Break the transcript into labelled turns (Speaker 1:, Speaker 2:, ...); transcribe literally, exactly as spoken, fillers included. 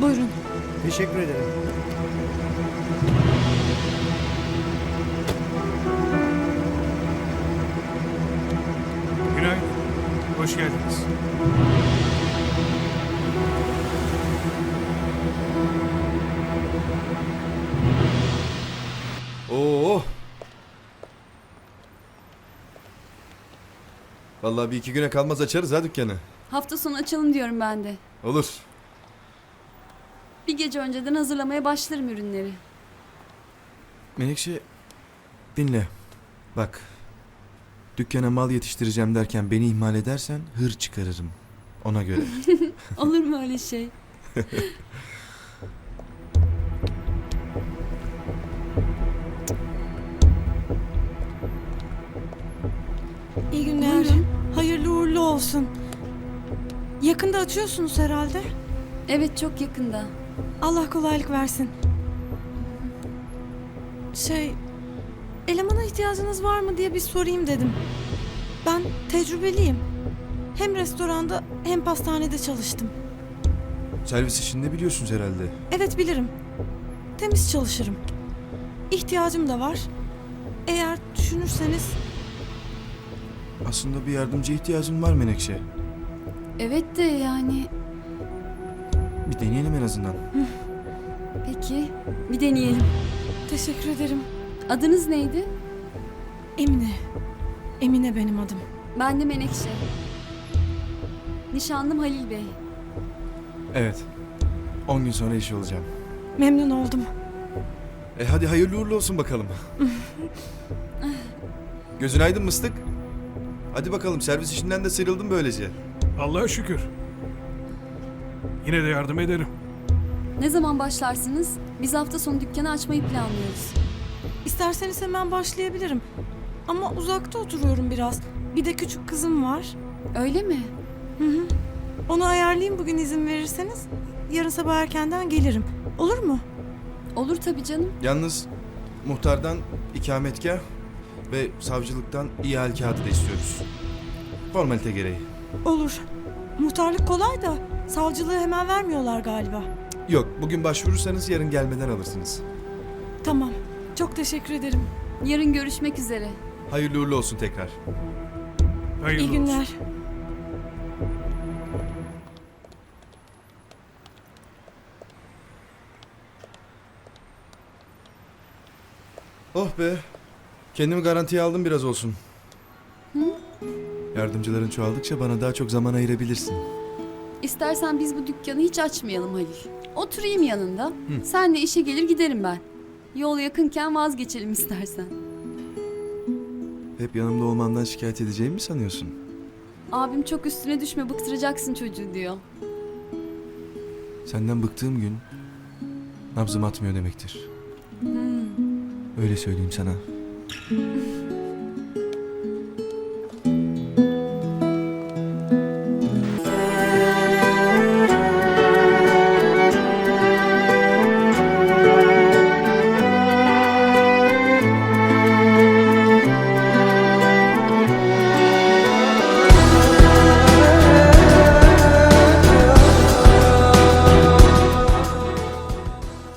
Speaker 1: Buyurun.
Speaker 2: Teşekkür ederim.
Speaker 3: Günaydın. Hoş geldiniz.
Speaker 4: Oo. Vallahi bir iki güne kalmaz açarız ha dükkanı.
Speaker 1: Hafta sonu açalım diyorum ben de.
Speaker 4: Olur.
Speaker 1: Bir gece önceden hazırlamaya başlarım ürünleri.
Speaker 4: Menekşe dinle. Bak. Dükkana mal yetiştireceğim derken beni ihmal edersen hır çıkarırım. Ona göre.
Speaker 1: Olur mu öyle şey?
Speaker 5: İyi günler.
Speaker 1: Buyurun.
Speaker 5: Hayırlı uğurlu olsun. Yakında açıyorsunuz herhalde.
Speaker 1: Evet, çok yakında.
Speaker 5: Allah kolaylık versin. Şey, elemana ihtiyacınız var mı diye bir sorayım dedim. Ben tecrübeliyim. Hem restoranda hem pastanede çalıştım.
Speaker 4: Servis işinde biliyorsunuz herhalde.
Speaker 5: Evet bilirim. Temiz çalışırım. İhtiyacım da var. Eğer düşünürseniz
Speaker 4: Aslında bir yardımcı ihtiyacım var Menekşe.
Speaker 1: Evet de yani...
Speaker 4: Bir deneyelim en azından.
Speaker 1: Peki, bir deneyelim.
Speaker 5: teşekkür ederim.
Speaker 1: Adınız neydi?
Speaker 5: Emine. Emine benim adım.
Speaker 1: Ben de Menekşe. Nişanlım Halil Bey.
Speaker 4: Evet. On gün sonra iş olacağım.
Speaker 5: Memnun oldum.
Speaker 4: E hadi hayırlı uğurlu olsun bakalım. Gözün aydın mıstık? Hadi bakalım servis işinden de sıyrıldım böylece.
Speaker 3: Allah'a şükür. Yine de yardım ederim.
Speaker 1: Ne zaman başlarsınız? Biz hafta sonu dükkanı açmayı planlıyoruz.
Speaker 5: İsterseniz hemen başlayabilirim. Ama uzakta oturuyorum biraz. Bir de küçük kızım var.
Speaker 1: Öyle mi?
Speaker 5: Hı hı. Onu ayarlayayım bugün izin verirseniz. Yarın sabah erkenden gelirim. Olur mu?
Speaker 1: Olur tabii canım.
Speaker 4: Yalnız muhtardan ikametgah ve savcılıktan ihale kağıdı da istiyoruz. Formalite gereği.
Speaker 5: Olur. Muhtarlık kolay da savcılığı hemen vermiyorlar galiba.
Speaker 4: Yok, bugün başvurursanız yarın gelmeden alırsınız.
Speaker 5: Tamam. Çok teşekkür ederim.
Speaker 1: Yarın görüşmek üzere.
Speaker 4: Hayırlı uğurlu olsun tekrar.
Speaker 3: Hayırlı
Speaker 5: İyi günler.
Speaker 3: olsun.
Speaker 4: Oh be. Kendimi garantiye aldım biraz olsun. Yardımcıların çoğaldıkça bana daha çok zaman ayırabilirsin.
Speaker 1: İstersen biz bu dükkanı hiç açmayalım Halil. Oturayım yanında. Senle işe gelir giderim ben. Yol yakınken vazgeçelim istersen.
Speaker 4: Hep yanımda olmandan şikayet edeceğimi mi sanıyorsun?
Speaker 1: Abim çok üstüne düşme, bıktıracaksın çocuğu diyor.
Speaker 4: Senden bıktığım gün nabzım atmıyor demektir. Öyle söyleyeyim sana.